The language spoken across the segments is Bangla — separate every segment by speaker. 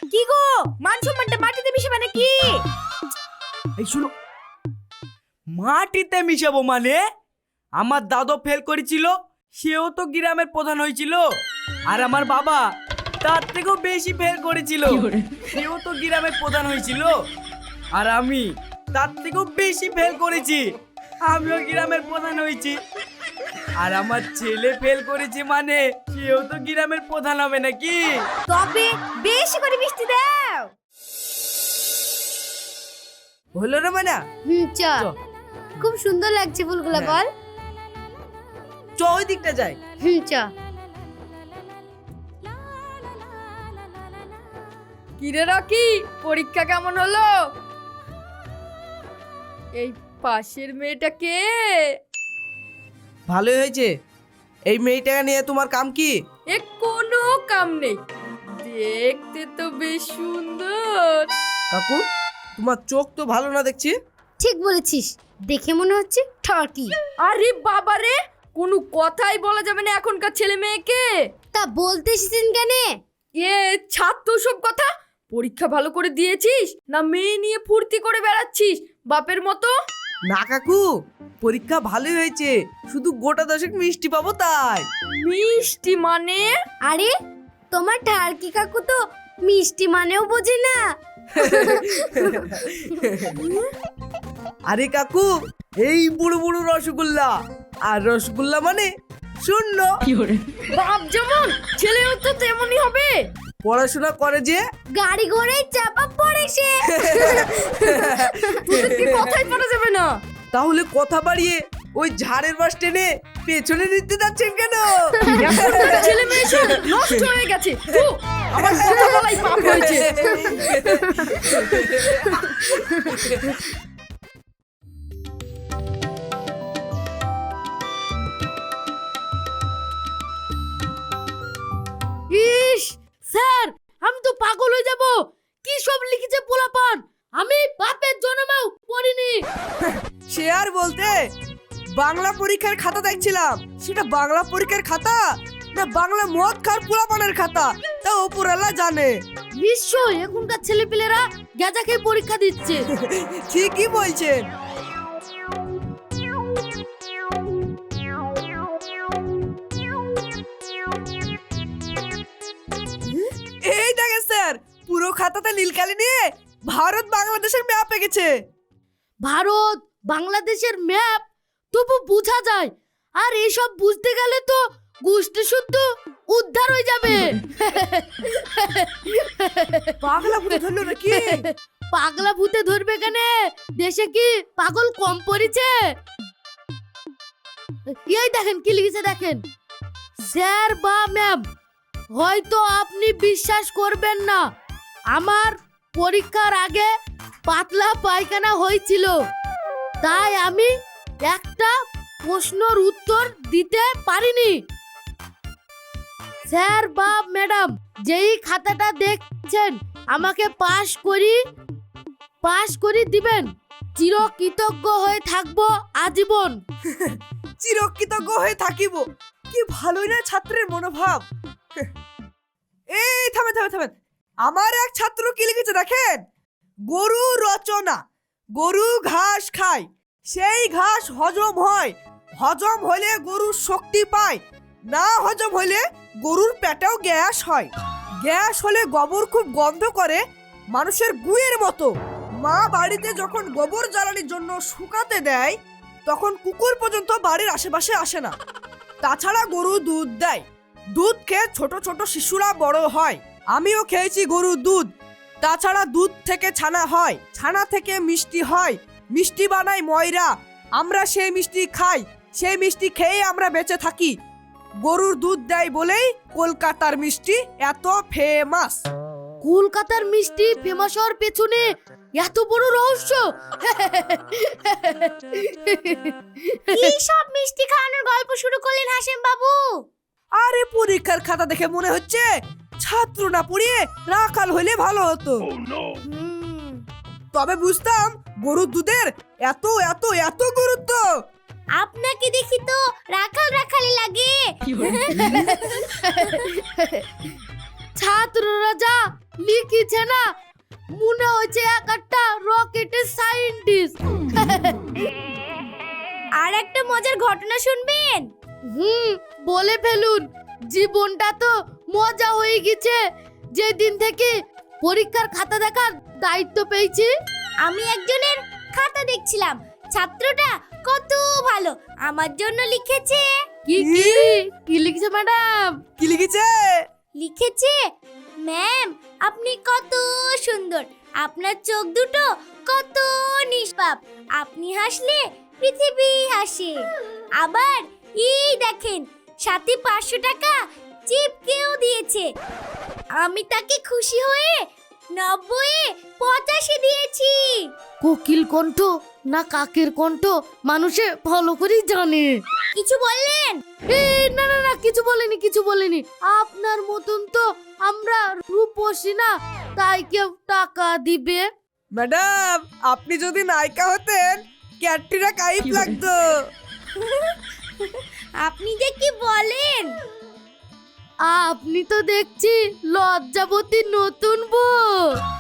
Speaker 1: কি গো, মান সম্মানটা মাটিতে মিশাবে নাকি?
Speaker 2: এই শুনো, মাটিতে মিশাবো মানে? আমার দাদু ফেল করেছিল, সেও তো গ্রামের প্রধান হয়েছিল। আর আমার বাবা তার থেকেও বেশি ফেল করেছিল, সেও তো গ্রামের প্রধান হয়েছিল। আর আমি তার থেকেও বেশি ফেল করেছি, আমিও গ্রামের প্রধান হয়েছি। আর আমার ছেলে ফেল করেছে মানে সেও তো গ্রামের প্রধান হবে নাকি?
Speaker 1: তবে বেশি করে মিষ্টি দাও।
Speaker 2: হলো রে মানা?
Speaker 3: চ খুব সুন্দর লাগছে ফুলগুলো, বল।
Speaker 2: চ ওই দিকটা যাই।
Speaker 3: চ।
Speaker 4: কিরে রকি, পরীক্ষা কেমন হলো? এই পাশের মেয়েটা কে?
Speaker 2: ভালোই হয়েছে। এই মেয়েটাকে নিয়ে তোমার কাম কি?
Speaker 4: এ কোনো কাম নেই, দেখতে তো বেশ সুন্দর।
Speaker 2: কাকু, তোমার চোখ তো ভালো না দেখছি।
Speaker 3: ঠিক বলেছিস, দেখে মনে হচ্ছে ঠকি।
Speaker 4: আরে বাবা রে, কোনো কথাই বলা যাবে না এখনকার ছেলে মেয়েকে।
Speaker 3: তা বলতে এসেছেন কেন?
Speaker 4: এ ছাত্র সব কথা। পরীক্ষা ভালো করে দিয়েছিস না মেয়ে নিয়ে ফুর্তি করে বেড়াচ্ছিস বাপের মতো?
Speaker 2: না কাকু, পরীক্ষা ভালোই হয়েছে, শুধু গোটা 10 মিষ্টি পাবো তাই।
Speaker 4: মিষ্টি মানে?
Speaker 3: আরে তোমার ঠারকি কাকু তো মিষ্টি মানেও বোঝে না।
Speaker 2: আরে কাকু, এই বুড়ো বুড়ো রসগোল্লা, আর রসগোল্লা মানে শূন্য।
Speaker 4: বাপ যেমন ছেলেও তো তেমনই হবে।
Speaker 2: পড়াশোনা করে যে।
Speaker 3: গাড়ি ঘোড়ায় চাপা পড়ে সে।
Speaker 4: তোদের কি কথাই বলা যাবে না?
Speaker 2: তাহলে কথা বাড়িয়ে ওই ঝাড়ের বাস টেনে পেছনে নিতে যাচ্ছেন কেন?
Speaker 4: এখনকার ছেলে মেয়ে সব নষ্ট হয়ে গেছে। থু, আমার কথা বলাই পাপ হয়েছে।
Speaker 3: ইস স্যার, আমি তো পাগল হয়ে যাব। কি সব লিখেছে পোলাপান, আমি বাপের জন্মেও পড়িনি।
Speaker 2: সে আর বলতে, বাংলা পরীক্ষার খাতা দেখছিলাম। সেটা বাংলা পরীক্ষার খাতা না বাংলা মদ খার পোলাপানের খাতা, তা ওপরওয়ালা জানে।
Speaker 3: নিশ্চয় এখনকার ছেলেপিলেরা গাঁজা খেয়ে পরীক্ষা দিচ্ছে।
Speaker 2: ঠিকই বলছেন। এই দেখেন স্যার, পুরো খাতাতে নীলকালি নিয়ে ভারত বাংলাদেশের ম্যাপ এঁকেছে।
Speaker 3: ভারত বাংলাদেশের ম্যাপ তবু বোঝা যায়, আর এসব বুঝতে গেলে তো গোষ্ঠী শুদ্ধ উদ্ধার হয়ে যাবে।
Speaker 2: পাগলা ভূতে ধরলো নাকি?
Speaker 3: পাগলা ভূতে ধরবে কেন? দেশে কি পাগল কম পড়েছে? এই দেখেন কি লিখেছে, দেখেন। স্যার বা ম্যাম, হয়তো আপনি বিশ্বাস করবেন না, আমার পরীক্ষার আগে পাতলা পায়খানা হয়েছিল, তাই আমি একটা প্রশ্নের উত্তর দিতে পারিনি। স্যার বা ম্যাডাম, যেই খাতাটা দেখছেন আমাকে পাশ করি দিবেন, চিরকৃতজ্ঞ হয়ে থাকবো আজীবন।
Speaker 2: চিরকৃতজ্ঞ হয়ে থাকিব। কি ভালোই না ছাত্রের মনোভাব। এই থামেন থামেন থামেন, আমার এক ছাত্র কি লিখেছে দেখেন। গরু রচনা, গরু ঘাস খায়, সেই ঘাস হজম হয়, হজম হলে গরুর শক্তি পায়, না হজম হলে গরুর পেটেও গ্যাস হয়, গ্যাস হলে গোবর খুব গন্ধ করে, মানুষের গুয়ের মতো। মা বাড়িতে যখন গোবর জ্বালানির জন্য শুকাতে দেয়, তখন কুকুর পর্যন্ত বাড়ির আশেপাশে আসে না। তাছাড়া গরু দুধ দেয়, দুধ খেয়ে ছোট ছোট শিশুরা বড় হয়। আমিও খেয়েছি গরুর দুধ। তাছাড়া দুধ থেকে ছানা হয়, ছানা থেকে মিষ্টি হয়, মিষ্টি বানাই ময়রা, আমরা সেই মিষ্টি খাই, সেই মিষ্টি খেয়ে আমরা বেঁচে থাকি। গরুর দুধ দেয় বলেই কলকাতার মিষ্টি এত ফেমাস।
Speaker 3: কলকাতার মিষ্টি ফেমাস হওয়ার পেছনে এত বড় রহস্য। কি সব মিষ্টি খাওয়ানোর গল্প শুরু করলেন হাসেম বাবু?
Speaker 2: আরে পরীক্ষার খাতা দেখে মনে হচ্ছে ছাত্র না পড়িয়ে রাখাল হইলে ভালো হতো। তবে বুঝতাম গরুর দুধের এত এত এত গুরুত্ব।
Speaker 3: আপনাকে দেখি তো রাখাল রাখালি লাগে। ছাত্ররা যা লিখেছে না, মনে হচ্ছে এক একটা রকেটের সায়েন্টিস্ট।
Speaker 1: আর একটা মজার ঘটনা শুনবেন?
Speaker 3: বলে ফেলুন। জীবনটা তো মজা হয়ে গেছে যেদিন থেকে পরীক্ষার খাতা দেখার দায়িত্ব পেয়েছি।
Speaker 1: আমি একজনের খাতা দেখছিলাম, ছাত্রটা কত ভালো, আমার জন্য লিখেছে।
Speaker 3: কি কি কি লিখছে ম্যাডাম?
Speaker 2: কি লিখেছে?
Speaker 1: লিখেছে, ম্যাম আপনি কত সুন্দর, আপনার চোখ দুটো কত নিষ্পাপ, আপনি হাসলে পৃথিবী হাসে। আবার এই দেখেন, সাথে 500 টাকা চিপকেও দিয়েছে। আমি তাকে খুশি হয়ে 90-এ 85 দিয়েছি।
Speaker 3: কোকিল কণ্ঠ না কাকের কণ্ঠ মানুষে ভালো করেই জানে।
Speaker 1: কিছু বললেন?
Speaker 3: না না না, কিছু বলিনি, কিছু বলিনি। আপনার মতন তো আমরা রূপসী না, তাই কেউ টাকা দিবে?
Speaker 2: ম্যাডাম, আপনি যদি নায়িকা হতেন ক্যাটরিনা কাইফ লাগতো।
Speaker 1: আপনি যে কি বলেন!
Speaker 3: আপনি তো দেখছি লজ্জাবতী নতুন বউ।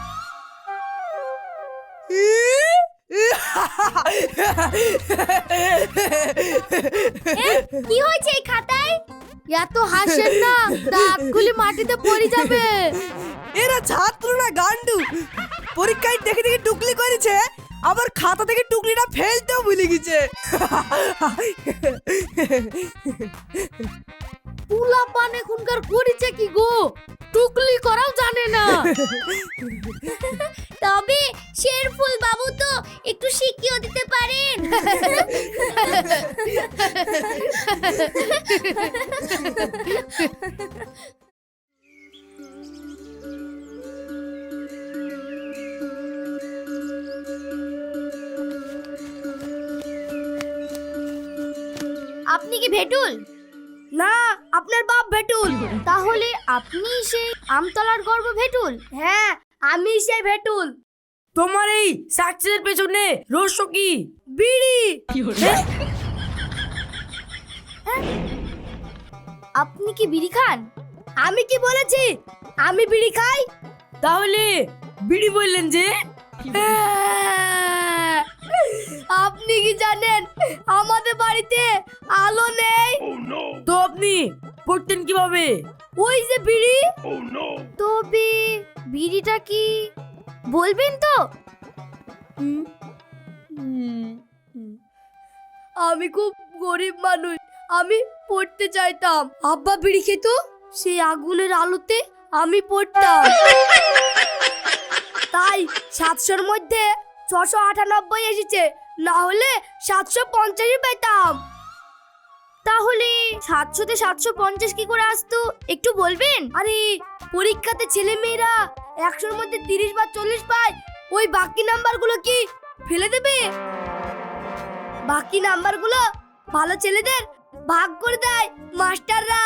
Speaker 1: কি হয়েছে এই খাতায়?
Speaker 3: এত হাসেন না, দাঁতগুলি মাটিতে পড়ে যাবে।
Speaker 2: এরা ছাত্র না গান্ডু, পরীক্ষায় দেখে দেখে টুকলি করেছে, আবার খাতা থেকে টুকলিটা ফেলতেও ভুলে গেছে।
Speaker 3: পুলা পান এখনকার করেছে কি গো, টুকলি করাও জানে না।
Speaker 1: তবে শেরফুল বাবু তো একটু শিখিয়ে দিতে পারেন। আপনি কি ভেটুল?
Speaker 3: না, আপনার বাপ ভেটুল।
Speaker 1: তাহলে আপনি সেই আমতলার গর্ব ভেটুল?
Speaker 3: হ্যাঁ, আমি সেই ভেটুল।
Speaker 4: তোমার এই সাকসেসের পেছনে রহস্য কি?
Speaker 3: বিড়ি।
Speaker 1: আপনি কি বিড়ি খান?
Speaker 3: আমি কি বলেছি আমি বিড়ি খাই?
Speaker 4: তাহলে বিড়ি বললেন যে?
Speaker 3: আপনি কি জানেন আমাদের বাড়িতে আলো নেই?
Speaker 4: তো আপনি পড়তেন কিভাবে?
Speaker 3: ওই যে বিড়ি।
Speaker 1: তবে বিড়িটা কি বলবেন তো?
Speaker 3: আমি খুব গরিব মানুষ, আমি পড়তে চাইতাম। আব্বা বিড়ি খেত, সেই আগুনের আলোতে আমি পড়তাম। তাই 700-র মধ্যে 698 এসেছে, না হলে 750 পেতাম।
Speaker 1: তাহলে 700-তে 750 কি করে আসতো একটু বলবেন?
Speaker 3: আরে পরীক্ষাতে ছেলে মেয়েরা 100-র মধ্যে 30 বা 40 পায়, ওই বাকি নাম্বারগুলো কি ফেলে দেবে? বাকি নাম্বারগুলো ভালো ছেলেদের ভাগ করে দেয় মাস্টাররা।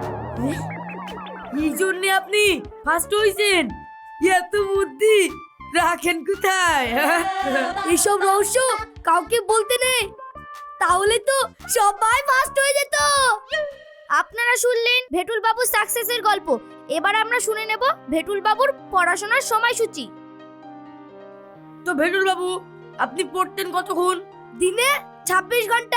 Speaker 4: এই জন্য আপনি ফার্স্ট হয়েছেন? এত বুদ্ধি রাখেন কোথায়?
Speaker 3: এইসব রহস্য কাউকে বলতে নেই, তাহলে তো সবাই ফার্স্ট হয়ে যেত।
Speaker 1: আপনারা শুনলেন ভেটুল বাবুর সাকসেসের গল্প। এবার আমরা শুনে নেব ভেটুল বাবুর পড়াশোনার সময়সূচি।
Speaker 4: তো ভেটুল বাবু, আপনি পড়তেন কতক্ষণ?
Speaker 3: দিনে 26 ঘন্টা।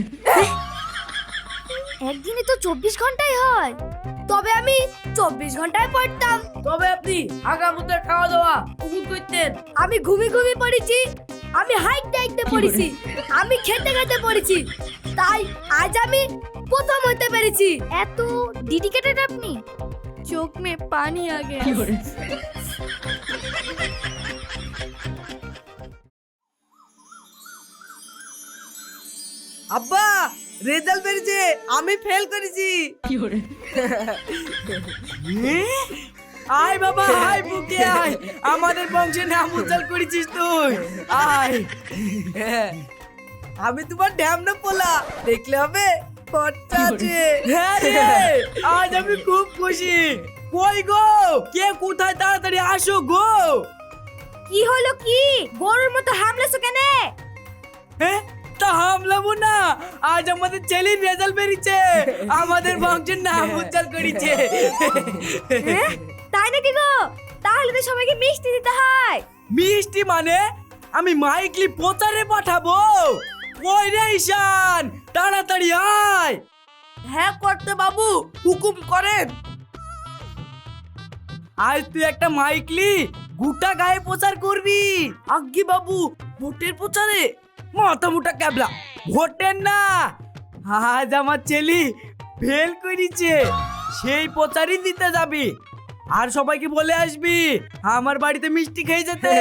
Speaker 1: একদিনে তো 24 ঘন্টাই হয়।
Speaker 3: তবে আমি 24 ঘন্টায় পড়তাম।
Speaker 4: তবে আপনি আগামুতার খাওয়া দাওয়া কখন করতেন?
Speaker 3: আমি ঘুমিয়ে পড়েছি, আমি হাইটে পড়েছি, আমি খেতে খেতে পড়েছি, তাই আজ আমি প্রথম হতে পেরেছি।
Speaker 1: এত ডেডিকেটেড আপনি।
Speaker 3: চোখ মে পানি আ গয়া।
Speaker 2: আব্বা, রেজাল্ট বেরিয়েছে, আমি ফেল করেছি।
Speaker 4: আয় বাবা, আয় বুকে আয়, আমাদের বংশে নাম উজ্জ্বল করেছিস তুই। আয়।
Speaker 2: আমি তোমার ড্যাম না পোলা, দেখলে হবে খরচা আছে।
Speaker 4: হ্যাঁ রে, আজ আমি খুব খুশি। কই গো, কে কোথায়, তাড়াতাড়ি আসো গো।
Speaker 1: কি হলো কি? গরুর মতো হামলেছো কেন?
Speaker 4: হ্যাঁ, তা হামলাবো না, আজ আমাদের ছেলের রেজাল্ট বেরিয়েছে, আমাদের বংশের নাম উজ্জ্বল করেছে।
Speaker 1: তাই নাকি গো? তাহলে তো সবাইকে মিষ্টি দিতে হয়।
Speaker 5: মিষ্টি মানে আমি মাইকলি প্রচারে পাঠাবো। ওই রে ঈশান, তাড়াতাড়ি আয়।
Speaker 2: হ্যাঁ কর্তা বাবু, হুকুম করেন।
Speaker 5: আজ তুই একটা মাইকলি গোটা গায়ে প্রচার করবি।
Speaker 2: আজ্ঞে বাবু, ভোটের প্রচারে?
Speaker 5: মাথা মুটা ক্যাবলা, ভোটের না, আজ আমার ছেলে ফেল করেছে, সেই প্রচারই দিতে যাবি। আর সবাইকে বলে আসবি আমার বাড়িতে মিষ্টি খেয়ে যেতে।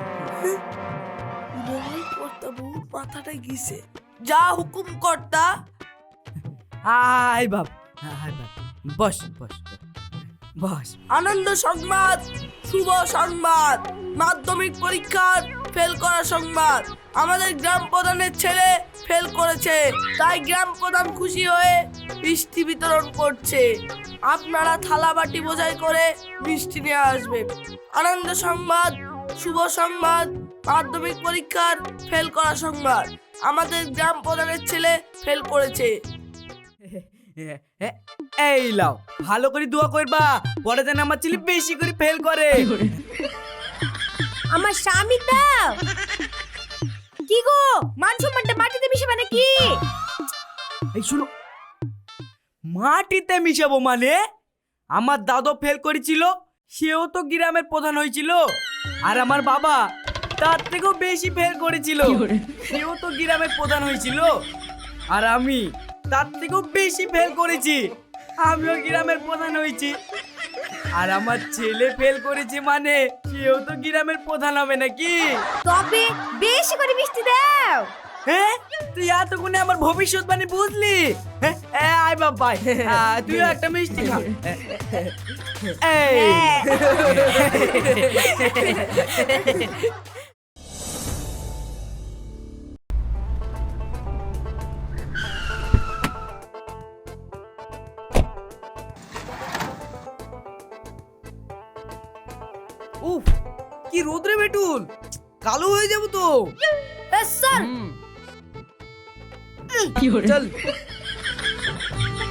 Speaker 2: কর্তা বাবু মাথাটা গিয়েছে। যা হুকুম কর্তা।
Speaker 5: আয় বাপ, আয় বাপ, বস বস বস।
Speaker 2: আনন্দ সংবাদ, শুভ সংবাদ, মাধ্যমিক পরীক্ষার ফেল করা সংবাদ। আমাদের গ্রাম প্রধানের ছেলে ফেল করেছে, তাই গ্রাম প্রধান খুশি হয়ে মিষ্টি বিতরণ করছে। আপনারা থালা বাটি বোঝাই করে মিষ্টি নিয়ে আসবেন। আনন্দ সংবাদ, শুভ সংবাদ, মাধ্যমিক পরীক্ষার ফেল করা সংবাদ। আমাদের গ্রাম প্রধানের ছেলে ফেল করেছে।
Speaker 5: এই লাও, ভালো করে দোয়া করবা, পরে যেন আমার ছেলে বেশি করে ফেল করে।
Speaker 1: আমার স্বামী দাও। কি গো, মান সম্মানটা মাটিতে মিশাবে নাকি?
Speaker 5: এই শুনো, মাটিতে মিশাবো মানে? আমার দাদু ফেল করেছিল, সেও তো গ্রামের প্রধান হয়েছিল। আর আমার বাবা তার থেকেও বেশি ফেল করেছিল, সেও তো গ্রামের প্রধান হয়েছিল। আর আমি তার থেকেও বেশি ফেল করেছি, আমিও গ্রামের প্রধান হয়েছি। আর আমার ছেলে ফেল করেছে মানে সেও তো গ্রামের প্রধান হবে নাকি?
Speaker 1: তবে বেশি করে মিষ্টি দাও।
Speaker 5: হ্যাঁ, তুই এতক্ষণে আমার ভবিষ্যৎবাণী বুঝলি? হ্যাঁ, আয় বাবা, তুইও একটা মিষ্টি খা। এই
Speaker 2: উফ, কি রোদ্রে বেটুল, কালো হয়ে যাবো তো।
Speaker 1: স্যার
Speaker 2: চল।